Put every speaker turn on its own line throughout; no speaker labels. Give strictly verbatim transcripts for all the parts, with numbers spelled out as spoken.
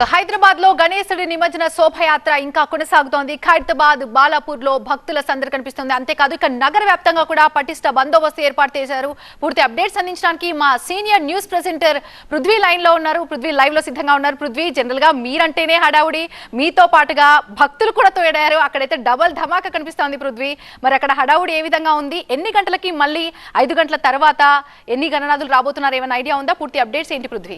హైదరాబాద్ లో గణేశుడి నిమజ్జన శోభయాత్ర ఇంకా కొనసాగుతోంది. ఖైరతాబాద్, బాలాపూర్ లో భక్తుల సందడి కనిపిస్తుంది. అంతేకాదు ఇక నగర వ్యాప్తంగా కూడా పటిష్ట బందోబస్తు ఏర్పాటు చేశారు. పూర్తి అప్డేట్స్ అందించడానికి మా senior news presenter Prithvi line లో ఉన్నారు. పృథ్వీ లైవ్ లో సిద్ధంగా ఉన్నారు. పృథ్వీ, జనరల్ గా మీరంటేనే హడావుడి, మీతో పాటుగా భక్తులు కూడా తోడారు. అక్కడైతే డబల్ ధమాకా కనిపిస్తోంది. పృథ్వీ, మరి అక్కడ హడావుడి ఏ విధంగా ఉంది? ఎన్ని గంటలకి మళ్ళీ ఐదు గంటల తర్వాత ఎన్ని గణనాథులు రాబోతున్నారు? ఏమైనా ఐడియా ఉందా? పూర్తి అప్డేట్స్ ఏంటి పృథ్వీ?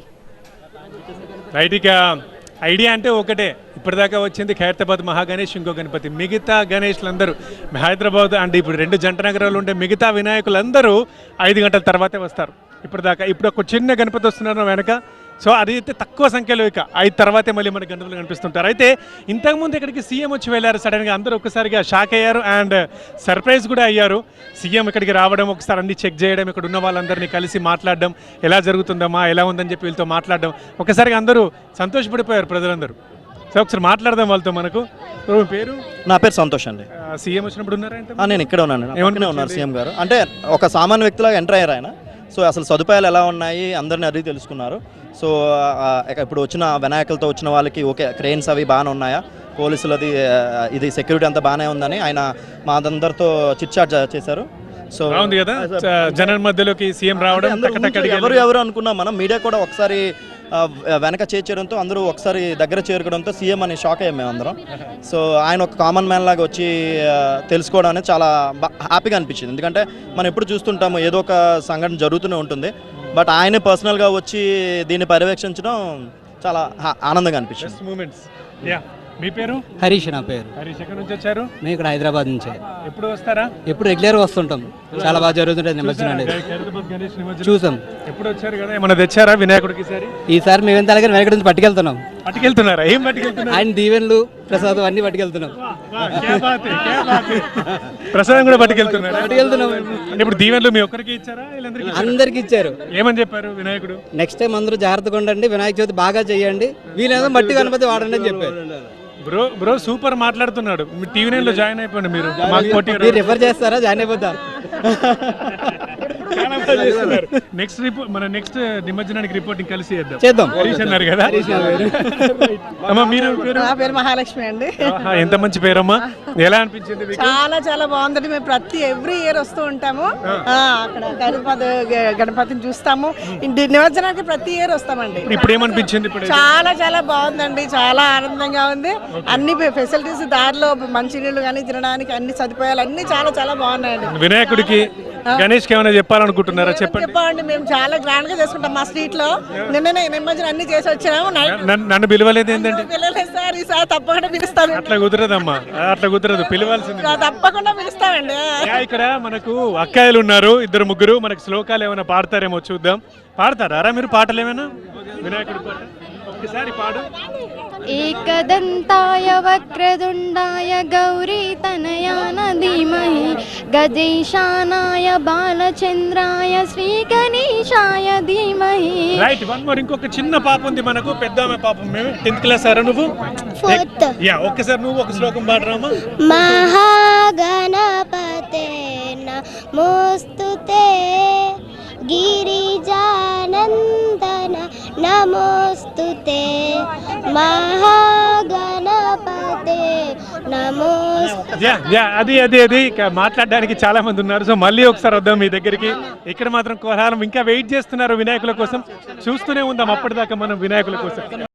రైట్గా ఐడియా అంటే ఒకటే, ఇప్పటిదాకా వచ్చింది ఖైరతాబాద్ మహాగణేష్, ఇంకో గణపతి. మిగతా గణేష్లందరూ హైదరాబాద్ అంటే ఇప్పుడు రెండు జంట నగరాలు ఉంటే మిగతా వినాయకులందరూ ఐదు గంటల తర్వాతే వస్తారు. ఇప్పటిదాకా ఇప్పుడు ఒక చిన్న గణపతి వస్తున్నారు వెనక. సో అది అయితే తక్కువ సంఖ్యలో ఇక ఐదు తర్వాతే మళ్ళీ మన గణపతులు కనిపిస్తుంటారు. అయితే ఇంతకుముందు ఇక్కడికి సీఎం వచ్చి వెళ్ళారు. సడన్గా అందరూ ఒక్కసారిగా షాక్ అయ్యారు అండ్ సర్ప్రైజ్ కూడా అయ్యారు. సీఎం ఇక్కడికి రావడం, ఒకసారి అన్ని చెక్ చేయడం, ఇక్కడ ఉన్న వాళ్ళందరినీ కలిసి మాట్లాడడం, ఎలా జరుగుతుందమ్మా, ఎలా ఉందని చెప్పి వీళ్ళతో మాట్లాడడం, ఒకసారిగా అందరూ సంతోషపడిపోయారు ప్రజలందరూ. సో ఒకసారి మాట్లాడదాం వాళ్ళతో. మనకు పేరు?
నా పేరు సంతోష్ అండి.
సీఎం వచ్చినప్పుడు ఉన్నారంటే
నేను ఇక్కడ ఉన్నాను. ఏమన్నా ఉన్నారు సీఎం గారు అంటే ఒక సామాన్య వ్యక్తిలాగా ఎంటర్ అయ్యారు ఆయన. సో అసలు సదుపాయాలు ఎలా ఉన్నాయి అందరిని అడిగి తెలుసుకున్నారు. సో ఇప్పుడు వచ్చిన వినాయకులతో వచ్చిన వాళ్ళకి ఓకే, క్రెయిన్స్ అవి బాగానే ఉన్నాయా, పోలీసులది ఇది సెక్యూరిటీ అంతా బాగానే ఉందని ఆయన మా అందరితో చిట్ చాట్ చేశారు. సో
బాగుంది కదా జనం మధ్యలోకి సీఎం రావడం.
ఎవరు ఎవరు అనుకున్నాం మనం, మీడియా కూడా ఒకసారి వెనక చేర్చడంతో అందరూ ఒకసారి దగ్గర చేరుకోవడంతో సీఎం అని షాక్ అయ్యాం మేము అందరం. సో ఆయన ఒక కామన్ మ్యాన్ లాగా వచ్చి తెలుసుకోవడం అనేది చాలా హ్యాపీగా అనిపించింది. ఎందుకంటే మనం ఎప్పుడు చూస్తుంటాము ఏదో ఒక సంఘటన జరుగుతూనే ఉంటుంది, బట్ ఆయనే పర్సనల్గా వచ్చి దీన్ని పర్యవేక్షించడం చాలా ఆనందంగా అనిపించింది.
మీ పేరు?
హరీష్. నా పేరు
హరీష్. ఎక్కడి నుంచి వచ్చారు?
మేము ఇక్కడ హైదరాబాద్ నుంచి.
ఎప్పుడు వస్తారా?
ఎప్పుడు రెగ్యులర్గా వస్తుంటాం. చాలా బాగా జరుగుతుంటుంది నిమజ్జనం అనేది. చూసాం.
ఎప్పుడు వచ్చారు కదా, ఏమన్నా తెచ్చారా వినాయకుడికి? ఈసారి
ఈసారి మేమెంత అలాగే వినాయకుడి నుంచి పట్టుకెళ్తున్నాం.
పట్టుకెళ్తున్నారా? ఏం పట్టుకెళ్తున్నారు?
ఆయన దీవెన్లు, ప్రసాదం అన్ని పట్టుకెళ్తున్నాం.
ప్రసాదం కూడా పట్టుకెళ్తున్నారు.
పట్టుకెళ్తున్నాం.
ఇప్పుడు దీవెన్లు మీ ఒక్కరికి ఇచ్చారా?
అందరికి ఇచ్చారు.
ఏమని చెప్పారు వినాయకుడు?
నెక్స్ట్ టైం అందరూ జాగ్రత్తగా ఉండండి, వినాయక చవితి బాగా చేయండి, వీలైనా మట్టి గణపతి వాడండి అని చెప్పారు.
బ్రో బ్రో సూపర్ మాట్లాడుతున్నాడు. మీ టీవీ నైన్ లో జాయిన్ అయిపోయింది. మీరు
మీరు రిఫర్ చేస్తారా? జాయిన్ అయిపోతా.
నెక్స్ట్ రిపోర్ట్ మన నెక్స్ట్ నిమజ్జనానికి రిపోర్టింగ్ కలిసి చేద్దాం.
చేద్దాం.
హరీష్ అన్నారు కదా. అమ్మా మీరు?
నా పేరు మహాలక్ష్మి అండి.
ఎంత మంచి పేరమ్మా. ఎలా అనిపించింది?
చాలా చాలా బాగుందండి. మేము ప్రతి ఎవ్రీ ఇయర్ వస్తూ ఉంటాము. అక్కడ ఖైరతాబాద్ గణపతిని చూస్తాము. నిమజ్జనానికి ప్రతి ఇయర్ వస్తామండి.
ఇప్పుడు ఏమనిపించింది?
చాలా చాలా బాగుందండి. చాలా ఆనందంగా ఉంది. అన్ని ఫెసిలిటీస్, దారిలో మంచినీళ్ళు కానీ తినడానికి అన్ని సదుపాయాలు అన్ని చాలా చాలా బాగున్నాయండి.
వినాయకుడికి, గణేష్ కి ఏమైనా చెప్పాలనుకుంటున్నారా? చెప్పండి.
చెప్పండి. మేము చాలా గ్రాండ్ గా చేసుకుంటాం మా స్ట్రీట్ లో. నిన్ననే నిమజ్జనం అన్ని చేసి వచ్చినాము.
నన్ను పిలవలేదు ఏంటంటే?
పిలవలేదు సార్. ఈసారి తప్పకుండా పిలుస్తాను.
అట్లా కుదరదమ్మా, అట్లా కుదరదు, పిలవాల్సింది.
తప్పకుండా పిలుస్తామండి.
ఇక్కడ మనకు అక్కాయిలు ఉన్నారు, ఇద్దరు ముగ్గురు. మనకు శ్లోకాలు ఏమైనా పాడతారేమో చూద్దాం. పాడతారా మీరు పాటలు ఏమైనా? వినాయకుడి పాట ఒక్కసారి పాడు.
ఏకదంతాయ వక్రతుండాయ గౌరీ తనయాన ధీమహి గజేశానాయ బాలచంద్రాయ శ్రీ గణేశాయ ధీమహి.
రైట్. One more. ఇంకొక చిన్న పాప ఉంది మనకు, పెద్ద పాపం. మేము టెన్త్ క్లాస్ సార్, నువ్వు
ఫోర్త్.
యా, ఒక్కసారి నువ్వు ఒక శ్లోకం పాడరామా?
మహాగణపతే నమోస్తుతే గిరిజానందన నమోస్తుతే మహాగణపతే నమోస్తుతే.
అది అది అది మాట్లాడడానికి చాలా మంది ఉన్నారు. సో మళ్ళీ ఒకసారి వద్దాం మీ దగ్గరికి. ఇక్కడ మాత్రం కోలాహలం, ఇంకా వెయిట్ చేస్తున్నారు వినాయకుల కోసం. చూస్తూనే ఉందాం అప్పటిదాకా మనం వినాయకుల కోసం.